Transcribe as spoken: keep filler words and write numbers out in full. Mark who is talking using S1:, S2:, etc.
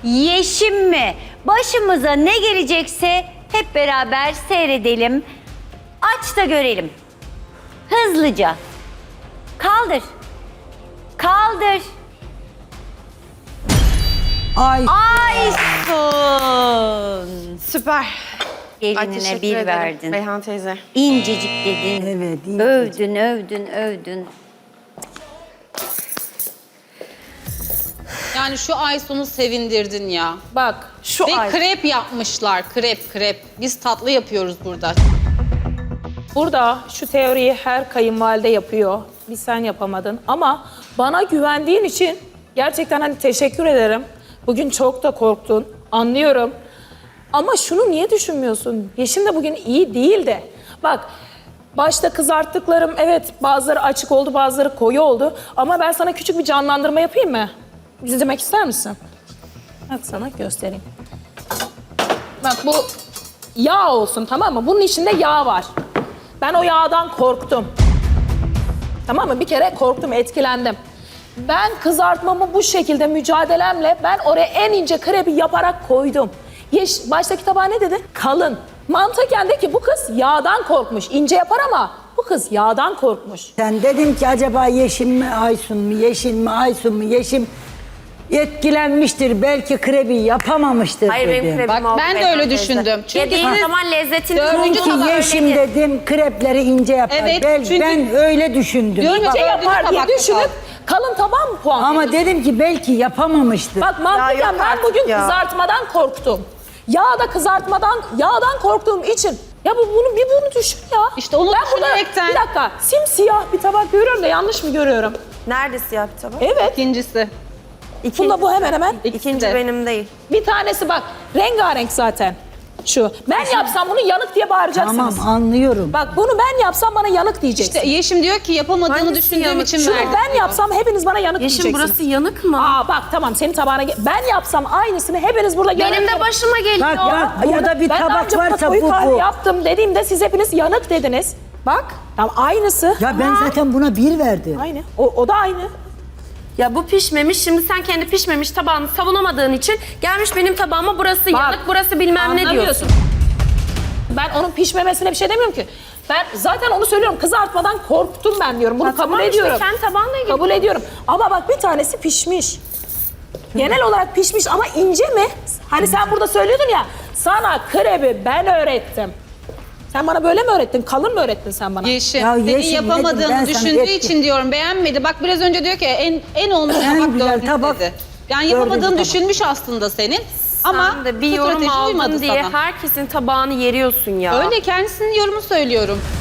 S1: Yeşim mi? Başımıza ne gelecekse hep beraber seyredelim. Aç da görelim. Hızlıca. Kaldır. Kaldır.
S2: Ay.
S1: Aysun.
S3: Süper. Ay,
S1: Gelinine
S3: teşekkür
S1: bir
S3: ederim
S1: verdin.
S3: Beyhan teyze.
S1: İncecik dedin.
S2: Evet, incecik.
S1: Övdün, övdün, övdün.
S4: Yani şu Aysun'u sevindirdin ya.
S5: Bak şu
S4: Ve
S5: ay.
S4: krep yapmışlar, krep krep. Biz tatlı yapıyoruz burada.
S5: Burada şu teoriyi her kayınvalide yapıyor. Bir sen yapamadın ama bana güvendiğin için gerçekten hani teşekkür ederim. Bugün çok da korktun, anlıyorum. Ama şunu niye düşünmüyorsun? Yeşim de bugün iyi değil de. Bak başta kızarttıklarım evet bazıları açık oldu, bazıları koyu oldu. Ama ben sana küçük bir canlandırma yapayım mı? İzlemek ister misin? Bak sana göstereyim. Bak bu yağ olsun, tamam mı? Bunun içinde yağ var. Ben o yağdan korktum. Tamam mı? Bir kere korktum, etkilendim. Ben kızartmamı bu şekilde mücadelemle ben oraya en ince krepi yaparak koydum. Yeş, baştaki tabağa ne dedi? Kalın. Mantıken de ki bu kız yağdan korkmuş. İnce yapar ama bu kız yağdan korkmuş.
S2: Sen dedin ki acaba Yeşim mi Aysun mu, Yeşim mi Aysun mu, Yeşim etkilenmiştir, belki krebi yapamamıştır
S3: Hayır
S2: dedim.
S3: benim krebim
S4: Bak
S3: oldu
S4: ben de
S3: Beyhan
S4: öyle
S3: teyze.
S4: düşündüm. Çünkü
S3: Yediğin
S4: siz-
S3: zaman lezzetini
S4: Dördüncü
S3: buldun.
S4: tabak
S2: Çünkü Yeşim
S3: öyle
S2: dedim krepleri ince yapar.
S4: Evet,
S2: ben,
S4: çünkü-
S2: ben öyle düşündüm.
S4: Diyorum ya,
S5: İnce
S4: dördüncü
S5: yapar diye
S4: tabakta
S5: düşünüp
S4: kaldı.
S5: kalın tabağa mı puan
S2: Ama
S5: veriyorsun?
S2: dedim ki belki yapamamıştır.
S5: Bak mantıken
S3: yok
S5: ben
S3: artık
S5: bugün
S3: ya.
S5: kızartmadan korktum. Yağ da kızartmadan, yağdan korktuğum için. Ya bu bunu bir bunu düşün ya.
S4: İşte onu
S5: ben burada,
S4: düşünerekten-
S5: bir dakika, simsiyah bir tabak görüyorum da yanlış mı görüyorum?
S3: Nerede siyah bir tabak?
S5: Evet.
S4: İkincisi.
S5: Bunda bu hemen hemen.
S3: İkinci
S4: de.
S3: benim değil.
S5: Bir tanesi bak rengarenk zaten. Şu. Ben yapsam bunu yanık diye bağıracaksınız.
S2: Tamam, anlıyorum.
S5: Bak bunu ben yapsam bana yanık diyeceksiniz.
S4: İşte Yeşim diyor ki yapamadığını
S3: Hangisi
S4: düşündüğüm
S3: yanık?
S4: için
S5: Şunu
S4: verdim.
S5: ben yapsam hepiniz bana yanık
S3: Yeşim
S5: diyeceksiniz.
S3: burası yanık mı?
S5: Aa bak tamam senin tabağına ge- ben yapsam aynısını hepiniz burada yanık.
S3: Benim de başıma geliyor.
S2: Bak bak burada
S5: Yanık-
S2: bir
S5: ben daha
S2: tabak
S5: önce burada
S2: varsa
S5: koyu
S2: bu
S5: kahve
S2: bu.
S5: yaptım dediğimde siz hepiniz yanık dediniz. Bak tamam aynısı.
S2: Ya ben zaten buna bir verdim.
S5: Aynı. O, o da aynı.
S3: Ya bu pişmemiş. Şimdi sen kendi pişmemiş tabağını savunamadığın için gelmiş benim tabağıma burası
S5: Bak,
S3: yanık, burası bilmem ne diyorsun.
S5: Anlamıyorsun. Ben onun pişmemesine bir şey demiyorum ki. Ben zaten onu söylüyorum. Kızartmadan korktum ben diyorum. Bunu
S3: Ya
S5: kabul
S3: tamam işte,
S5: ediyorum.
S3: kendi tabağınla ilgili.
S5: Kabul ediyorum. Ama bak bir tanesi pişmiş. Genel olarak pişmiş ama ince mi? Hani sen burada söylüyordun ya. Sana krebi ben öğrettim. Sen bana böyle mi öğrettin? Kalın mı öğrettin sen bana?
S4: Yeşim,
S2: Ya
S4: senin
S2: Yeşim, dedim, ben
S4: yapamadığını
S2: sana
S4: düşündüğü
S2: ettim.
S4: için diyorum beğenmedi. Bak biraz önce diyor ki en en olmuş
S2: En
S4: tabak
S2: güzel
S4: dördüncü
S2: tabak
S4: dedi. Yani
S2: dördüncü
S4: yapamadığını
S2: tabak.
S4: düşünmüş aslında senin. Ama
S3: Sen de bir yorum
S4: strateji uymadı
S3: aldın diye
S4: sana.
S3: herkesin tabağını yeriyorsun ya.
S4: Öyle kendisinin yorumu söylüyorum.